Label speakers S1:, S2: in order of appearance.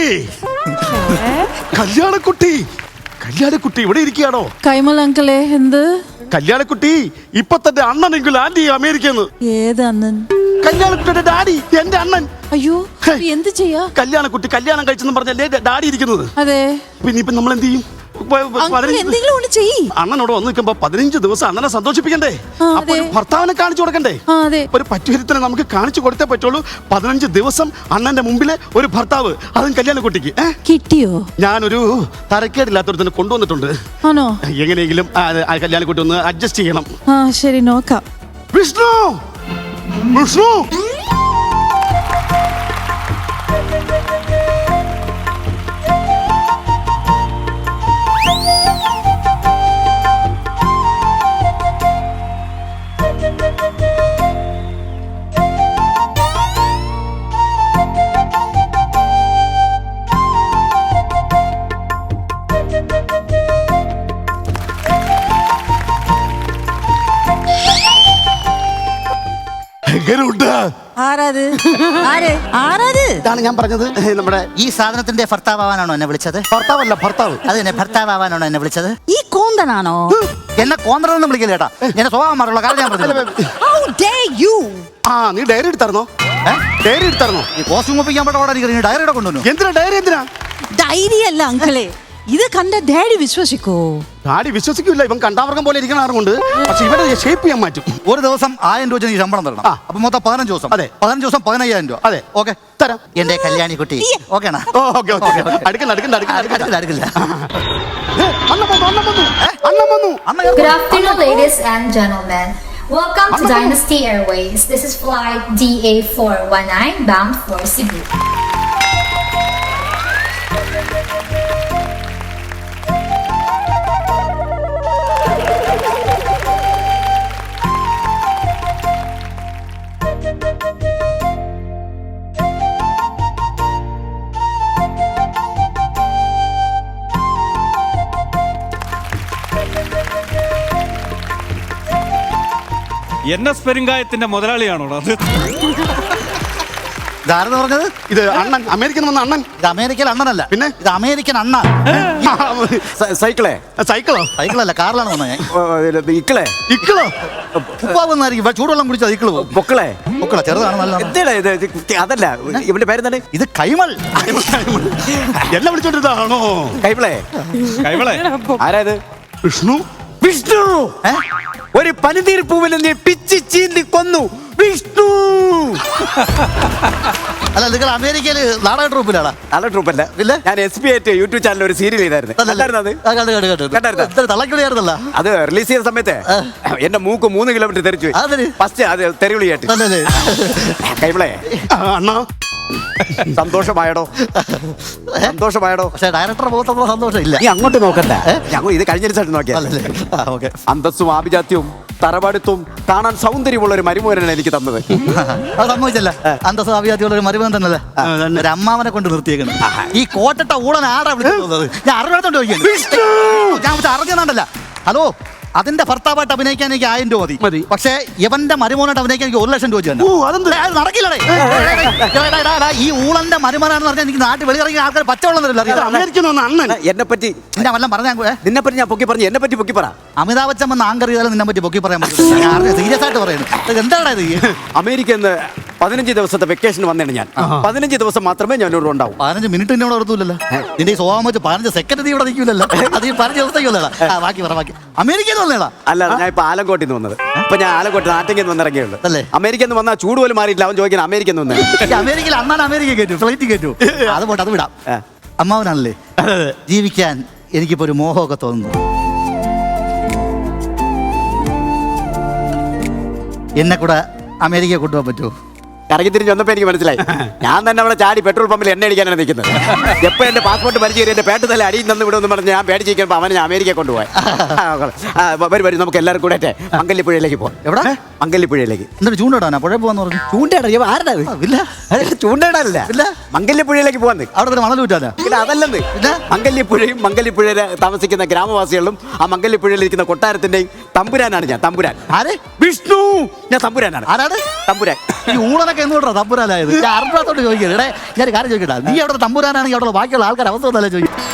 S1: കല്യാണക്കുട്ടി കല്യാണക്കുട്ടി ഇവിടെ ഇരിക്കുകയാണോ?
S2: കൈമൾ അങ്കിളെ എന്ത്?
S1: കല്യാണക്കുട്ടി ഇപ്പൊ തന്റെ അണ്ണനെങ്കിലും ആന്റി അമേരിക്കന്ന്.
S2: ഏത് അണ്ണൻ?
S1: കല്യാണക്കുട്ടിയുടെ ഡാഡി, എന്റെ അണ്ണൻ.
S2: അയ്യോ എന്ത് ചെയ്യാ?
S1: കല്യാണക്കുട്ടി കല്യാണം കഴിച്ചെന്ന് പറഞ്ഞല്ലേ ഡാഡി ഇരിക്കുന്നത്.
S2: അതെ.
S1: പിന്നെ ഇപ്പൊ നമ്മൾ എന്ത് ചെയ്യും?
S2: എന്തെങ്കിലും ഒന്ന് ചെയ്യ്.
S1: അണ്ണനോട് വന്ന് നിൽക്കുമ്പോ 15 ദിവസം അണ്ണനെ സന്തോഷിപ്പിക്കണ്ടേ? അപ്പൊ ഒരു ഭർത്താവിനെ കാണിച്ചു കൊടുക്കണ്ടേ? ഒരു പറ്റുഹരിത്തിനെ നമുക്ക് കാണിച്ചു കൊടുത്തേ പറ്റുള്ളൂ. 15 ദിവസം അണ്ണന്റെ മുമ്പില് ഒരു ഭർത്താവ്, അതും കല്യാണക്കുട്ടിക്ക്.
S2: കിട്ടിയോ?
S1: ഞാനൊരു തരക്കേടില്ലാത്തൊരുത്തിനെ കൊണ്ടുവന്നിട്ടുണ്ട്.
S2: ആണോ?
S1: എങ്ങനെയെങ്കിലും കല്യാണക്കുട്ടി ഒന്ന് അഡ്ജസ്റ്റ് ചെയ്യണം.
S2: ശരി നോക്കാം.
S1: വിഷ്ണു വിഷ്ണു ഇതാണ് ഞാൻ പറഞ്ഞത്. നമ്മുടെ
S3: ഈ സാധനത്തിന്റെ ഭർത്താവാനാണോ എന്നെ വിളിച്ചത്?
S1: ഭർത്താവല്ല, ഭർത്താവ്.
S3: അതെന്നെ ഭർത്താവാനാണോ എന്നെ വിളിച്ചത്?
S2: ഈ കോന്തനാണോ?
S3: എന്നെ കോന്തറൊന്നും വിളിക്കില്ല ചേട്ടാ. എന്നെ സ്വഭാവം മാറുള്ള കാര്യം ഞാൻ പറഞ്ഞു.
S1: നീ ഡയറി എടുത്തായിരുന്നോ? ഡയറി എടുത്തായിരുന്നോ?
S3: ഈ കോസ്റ്റ്യൂം ഒപ്പിക്കാൻ പറ്റോടെ ഡയറിയുടെ കൊണ്ടുവന്നു.
S1: എന്തിനാ ഡയറി? എന്തിനാ
S2: ഡയറി? അല്ല അങ്കിളെ, ഇത് കണ്ട ഡാഡി വിശ്വസിക്കോ?
S1: ഡാഡി വിശ്വസിക്കില്ല. ഇവൻ കണ്ടാവർഗം പോലെ ഇരിക്കണാറുകൊണ്ട്. പക്ഷെ ഇവരെ ഷേപ്പ് ചെയ്യാൻ മാറ്റും.
S3: ഒരു ദിവസം 1000 രൂപ എനിക്ക് ശമ്പളം തരണം. അപ്പൊ മൊത്തം 15 ദിവസം.
S1: അതെ,
S3: 15 ദിവസം 15000 രൂപ.
S1: അതെ,
S3: ഓക്കെ തരാം. എന്റെ കല്യാണി കുട്ടി ഓക്കെയാ?
S4: Good afternoon, ladies and gentlemen. Welcome to Dynasty Airways. This is flight DA419 bound for Cebu.
S5: NS പെരുങ്കായത്തിന്റെ മുതലാളിയാണോ അത്?
S3: ഇതാരെന്ന് പറഞ്ഞത്?
S1: ഇത് അണ്ണൻ, അമേരിക്കൻ വന്ന അണ്ണൻ.
S3: ഇത് അമേരിക്കൻ അണ്ണനല്ല,
S1: പിന്നെ
S3: ഇത് അമേരിക്കൻ അണ്ണ.
S1: സൈക്കിളോ?
S3: സൈക്കിളല്ല, കാറിലാണ് വന്നത് ഞാൻ.
S1: ഇക്കളോ?
S3: ഉപ്പാവുന്നായിരിക്കും. ചൂടുവെള്ളം കുടിച്ചാൽ ഇക്കിള് പോകും.
S6: പൊക്കളെ
S3: ചെറുതാണ്. നല്ല
S6: അതല്ല, ഇവന്റെ പേരെന്താണ്?
S3: ഇത് കൈമൾ.
S1: എല്ലാം വിളിച്ചോണ്ടിരുന്നാണോ?
S6: കൈമളെ ആരാത്?
S1: വിഷ്ണു.
S6: വിഷ്ണു ഒരു പനിനീർ പൂവിനെ നീ പിച്ചി ചീന്തി കൊന്നു. വിഷ്ണു
S3: അല്ല, നിങ്ങൾ അമേരിക്കയില് നാടക ട്രൂപ്പിലാണോ?
S6: നല്ല ട്രൂപ്പല്ല. ഞാൻ SB ആയിട്ട് യൂട്യൂബ് ചാനൽ ഒരു സീരിയൽ ചെയ്തായിരുന്നു.
S3: തള്ളക്കിളിയായിരുന്നല്ല.
S6: അത് റിലീസ് ചെയ്ത സമയത്ത് എന്റെ മൂക്ക് 3 കിലോമീറ്റർ തെറിച്ചു. ഫസ്റ്റ് അത് തെറിവിളിയായിട്ട്. കൈമളെ
S1: അണ്ണാ,
S6: സന്തോഷമായടോ?
S3: പക്ഷെ ഡയറക്ടറെ മുഖത്തൊന്നും സന്തോഷം ഇല്ല.
S6: നീ അങ്ങോട്ട് നോക്കണ്ട, ഞങ്ങൾ ഇത് കഴിഞ്ഞ ദിവസമായിട്ട് നോക്കിയാ. അന്തസ്സും ആഭിജാത്യവും തറവാടുത്തും കാണാൻ സൗന്ദര്യമുള്ള ഒരു മരുമോനാണ് എനിക്ക് തന്നത്.
S3: അത് സംഭവിച്ചല്ല. അന്തസ്സും ആഭിജാത്യമുള്ള ഒരു മരുമോൻ തന്നല്ലേ ഒരു അമ്മാവനെ കൊണ്ട് നിർത്തിയേക്കണം. ഈ കോട്ടട്ട ഊളൻ ആടാ വിളിക്കുന്നത്. ഞാൻ അറിഞ്ഞോണ്ട് ചോദിക്കുന്നു. ഞാൻ അറിഞ്ഞാണ്ടല്ല. ഹലോ, അതിന്റെ ഭർത്താവായിട്ട് അഭിനയിക്കാൻ എനിക്ക് 1000 രൂപ മതി. പക്ഷേ ഇവന്റെ മരുമോനായിട്ട് അഭിനയിക്കാൻ എനിക്ക് 1 ലക്ഷം രൂപ നടക്കില്ലേ? ഈ ഊളന്റെ മരുമോനാണെന്ന് പറഞ്ഞാൽ എനിക്ക് നാട്ടിൽ വെളിയിറങ്ങിയ ആൾക്കാർ പച്ചവെള്ളം തരില്ല.
S6: അണ്ണൻ എന്നെ പറ്റി
S3: ഞാൻ വല്ലതും പറഞ്ഞാൽ
S6: നിന്നെ പറ്റി ഞാൻ പൊക്കി പറഞ്ഞു. എന്നെ പറ്റി പൊക്കി പറ.
S3: അമിതാഭ് ബച്ചൻ വന്ന് ആങ്കർ ചെയ്താലും നിന്നെ പറ്റി പൊക്കി പറയാൻ പറ്റില്ല. സീരിയസ് ആയിട്ട് പറയുന്നത് എന്താണ് ഇത്?
S6: അമേരിക്കയിൽ നിന്ന് 15 ദിവസത്തെ വെക്കേഷൻ വന്നേണ് ഞാൻ. 15 ദിവസം മാത്രമേ ഞാൻ ഇവിടെ ഉണ്ടാവും.
S3: 15 മിനിറ്റ് എന്നോട് ഓർത്തൂല്ലോ. നിന്റെ ഈ സ്വഭാവം വെച്ച് 15 സെക്കൻഡ് നീ ഇവിടെ നിൽക്കില്ലല്ലോ. അത് ഈ 15 ദിവസത്തേക്കുള്ള ബാക്കി അമേരിക്കയിൽ വന്നേടാ.
S6: അല്ല, ഞാൻ ഇപ്പൊ ആലങ്കോട്ടിൽ നിന്ന് വന്നത്. ഇപ്പൊ ഞാൻ ആലങ്കോട്ട് നാട്ടിൽ നിന്ന് വന്നിറങ്ങിയുള്ളൂ. അല്ലേ? അമേരിക്കയിൽ നിന്ന് വന്നാൽ ചൂട് പോലും മാറിയില്ല. അവൻ ചോദിക്കാൻ അമേരിക്കയിൽ നിന്ന് വന്നത്.
S3: അമേരിക്കയിൽ അന്നാണ് അമേരിക്ക കയറ്റു, ഫ്ലൈറ്റ് കയറ്റു. അത് പോട്ടെ, അത് വിടാം. അമ്മാവനാണല്ലേ ജീവിക്കാൻ എനിക്കിപ്പോ ഒരു മോഹമൊക്കെ തോന്നുന്നു. എന്നെ കൂടെ അമേരിക്ക കൊണ്ടുപോകാൻ പറ്റുമോ?
S6: കറങ്ങി തിരിഞ്ഞ് വന്നപ്പോൾ എനിക്ക് മനസ്സിലായി. ഞാൻ തന്നെ അവിടെ ചാടി പെട്രോൾ പമ്പിൽ എണ്ണ അടിക്കാനാണ് നിൽക്കുന്നത്. എപ്പോൾ എൻ്റെ പാസ്പോർട്ട് പരിചയം എൻ്റെ പേട്ട് തല അടിയിൽ നിന്ന് വിടുമെന്ന് പറഞ്ഞ് ഞാൻ പേടിച്ചിരിക്കുമ്പോൾ അവനെ ഞാൻ അമേരിക്ക കൊണ്ടുപോയി. വരും നമുക്ക് എല്ലാവരും കൂടെ മംഗല്യപ്പുഴയിലേക്ക് പോകാം. എവിടെ? മംഗല്യപ്പുഴയിലേക്ക്.
S3: എന്നിട്ട് ചൂണ്ടയിടാനാ പുഴ പോകാന്ന് പറഞ്ഞു.
S6: ചൂണ്ടയിടാ? ആരുടെ? ഇല്ല, ചൂണ്ടയിടാനില്ല. ഇല്ല, മംഗല്യപ്പുഴയിലേക്ക് പോകാൻ.
S3: അവിടെ മണൽ വിറ്റാനാ?
S6: ഇല്ല, അതല്ലെന്ന്. മംഗല്യപ്പുഴയും മംഗല്യപ്പുഴയിൽ താമസിക്കുന്ന ഗ്രാമവാസികളും ആ മംഗല്യപ്പുഴയിലിരിക്കുന്ന കൊട്ടാരത്തിൻ്റെയും തമ്പുരാനാണ് ഞാൻ, തമ്പുരാൻ.
S3: ആരെ?
S6: വിഷ്ണു. ഞാൻ തമ്പുരാനാണ്.
S3: ആരാണ്?
S6: തമ്പുരാൻ.
S3: ഈ ഊളനൊക്കെ എന്തുകൊണ്ടാ തമ്പുരാനായത്? ഞാൻ അറിഞ്ഞത്തോട്ട് ചോദിക്കട്ടെ. ഞാൻ ഒരു കാര്യം ചോദിക്കട്ടെ, നീ അവിടെ തമ്പുരാനാണെങ്കിൽ അവിടെ ബാക്കിയുള്ള ആൾക്കാർ അവസ്ഥ ഒന്നല്ലേ ചോദിക്കും.